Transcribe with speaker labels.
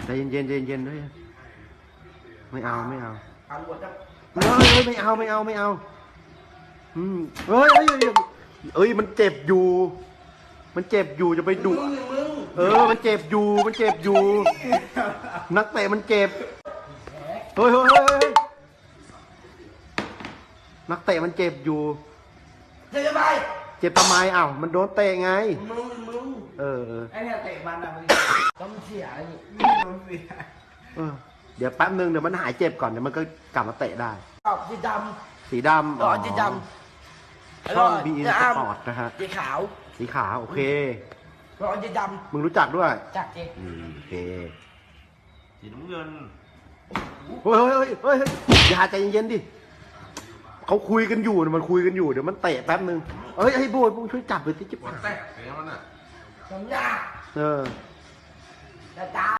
Speaker 1: ใจเย็นๆใจเย็นๆด้วยไม่เอาไม่เอา
Speaker 2: ตำรวจจะ
Speaker 1: เฮ้ยไม่เอาไม่เอาไม่เอาเฮ้ยเอ้ยมันเจ็บอยู่มันเจ็บอยู่จะไปดุมันเจ็บอยู่มันเจ็บอยู่นักเตะมันเจ็บเฮ้ยนักเตะมันเจ็บอยู่
Speaker 2: เจ็บทำไม
Speaker 1: เจ็บทำไมอ้าวมันโดนเตะไง
Speaker 2: มึงไอ้เนี่ยเตะมันอะมึงต้องเสียนี่ต้องเสีย
Speaker 1: เดี๋ยวแป๊บนึงเดี๋ยวมันหายเจ็บก่อนเดี๋ยวมันก็กลับมาเตะได้
Speaker 2: สีดำ
Speaker 1: สีดำ
Speaker 2: สีดำ
Speaker 1: ช่อง BN Sport นะฮะ
Speaker 2: สีขาว
Speaker 1: สีขาวโอเค
Speaker 2: รอสีดำ
Speaker 1: มึงรู้จักด้วย
Speaker 2: จักเจ๊
Speaker 1: โอเค
Speaker 3: สีน้ำเงิน
Speaker 1: เฮ้ยอย่าใจเย็นๆดิเขาคุยกันอยู่มันคุยกันอยู่เดี๋ยวมันเตะแป๊บนึงไอ้โบยมึงช่วยจับไปที่จิ๊บ
Speaker 3: หัวแตกอะไรมันอ่ะ
Speaker 2: สัญญา
Speaker 1: จะตา